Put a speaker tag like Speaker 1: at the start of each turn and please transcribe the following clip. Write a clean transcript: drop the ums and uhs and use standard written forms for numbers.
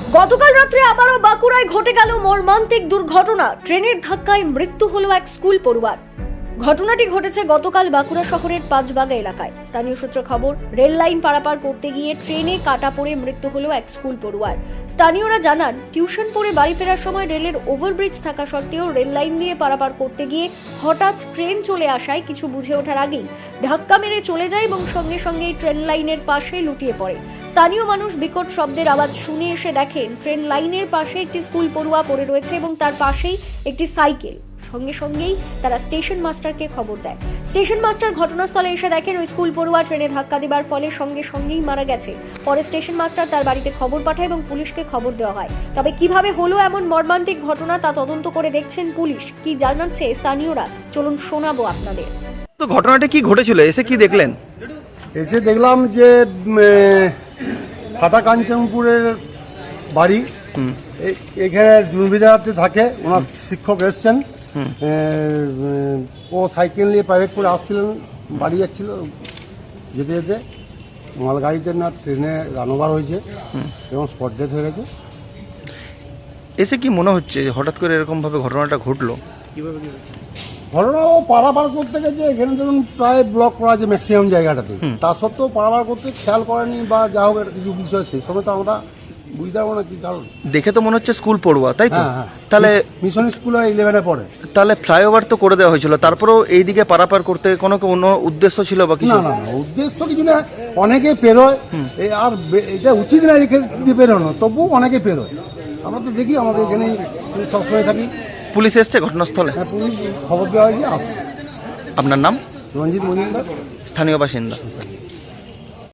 Speaker 1: গতকাল রাত্রে আবারও বাঁকুড়ায় ঘটে গেল মর্মান্তিক দুর্ঘটনা। ট্রেনের ধাক্কায় মৃত্যু হলো এক স্কুল পড়ুয়ার। ঘটনাটি ঘটেছে গতকাল বাঁকুড়া শহরের পাঁচবাগা এলাকায়। স্থানীয় সূত্রে খবর, রেল লাইন পারাপার করতে গিয়ে ট্রেনে কাটা পড়ে মৃত্যু হলো এক স্কুল পড়ুয়ার। স্থানীয়রা জানান, টিউশন পড়ে বাড়ি ফেরার সময় রেলের ওভারব্রিজ থাকা সত্ত্বেও রেল লাইন দিয়ে পারাপার করতে গিয়ে হঠাৎ ট্রেন চলে আসায় কিছু বুঝে ওঠার আগেই ধাক্কা মেরে চলে যায় এবং সঙ্গে সঙ্গেই ট্রেন লাইনের পাশে লুটিয়ে পড়ে। স্থানীয় মানুষ বিকট শব্দের আওয়াজ শুনে এসে দেখেন ট্রেন লাইনের পাশে একটি স্কুল পড়ুয়া পড়ে রয়েছে এবং তার পাশেই একটি সাইকেল। সঙ্গে সঙ্গেই তারা স্টেশন মাস্টারকে খবর দেয়। স্টেশন মাস্টার ঘটনাস্থলে এসে দেখেন ওই স্কুল পড়ুয়া ট্রেনে ধাক্কা দেবার ফলে সঙ্গে সঙ্গেই মারা গেছে। পরে স্টেশন মাস্টার তার বাড়িতে খবর পাঠায় এবং পুলিশকে খবর দেওয়া হয়। তবে কিভাবে হলো এমন মর্মান্তিক ঘটনা তা তদন্ত করে দেখছেন পুলিশ। কি জানাচ্ছে স্থানীয়রা, চলুন শোনাবো আপনাদের।
Speaker 2: তো ঘটনাটা কি ঘটেছিল, এসে কি দেখলেন?
Speaker 3: এসে দেখলাম যে ফাটা কাঞ্চনপুরের বাড়ি, এখানে জুনবিদাতে থাকে, ওনার শিক্ষক এসছেন। ও সাইকেল নিয়ে প্রাইভেট করে আসছিলেন, বাড়ি যাচ্ছিল। যেতে যেতে মালগাড়িতে না ট্রেনে রানওভার হয়েছে এবং স্পট ডেথ হয়ে গেছে।
Speaker 2: এসে কি মনে হচ্ছে হঠাৎ করে এরকম ভাবে ঘটনাটা ঘটলো?
Speaker 3: ঘটনা ও পারাপার করতে গেছে, এখানে ধরুন প্রায় ব্লক করা আছে ম্যাক্সিমাম জায়গাটাতে। তা সত্ত্বেও পারাপার করতে খেয়াল করেনি বা যা হোক একটা কিছু বিষয়, সেই সময় তো আমরা বুঝতে পারবো না কি কারণ।
Speaker 2: দেখে তো মনে হচ্ছে স্কুল পড়ুয়া, তাই তো?
Speaker 3: হ্যাঁ,
Speaker 2: তাহলে
Speaker 3: মিশন স্কুলে 11-এ পড়ে।
Speaker 2: তাহলে ফ্লাইওভার তো করে দেওয়া হয়েছিল, তারপরেও এইদিকে পারাপার করতে কোনো উদ্দেশ্য ছিল বা কিছু?
Speaker 3: না না না, উদ্দেশ্য কিছু না, অনেকে পেরোয়। আর এটা উচিত না এখানে দিয়ে পেরোনো, তবু অনেকে পেরোয়। আমরা তো দেখি, আমাদের এখানে সবসময় থাকি।
Speaker 2: পুলিশ এসছে ঘটনাস্থলে?
Speaker 3: হ্যাঁ, পুলিশ খবর দেওয়া হয়েছে, আসছে।
Speaker 2: আপনার নাম?
Speaker 3: রঞ্জিত মজুমদার,
Speaker 2: স্থানীয় বাসিন্দা।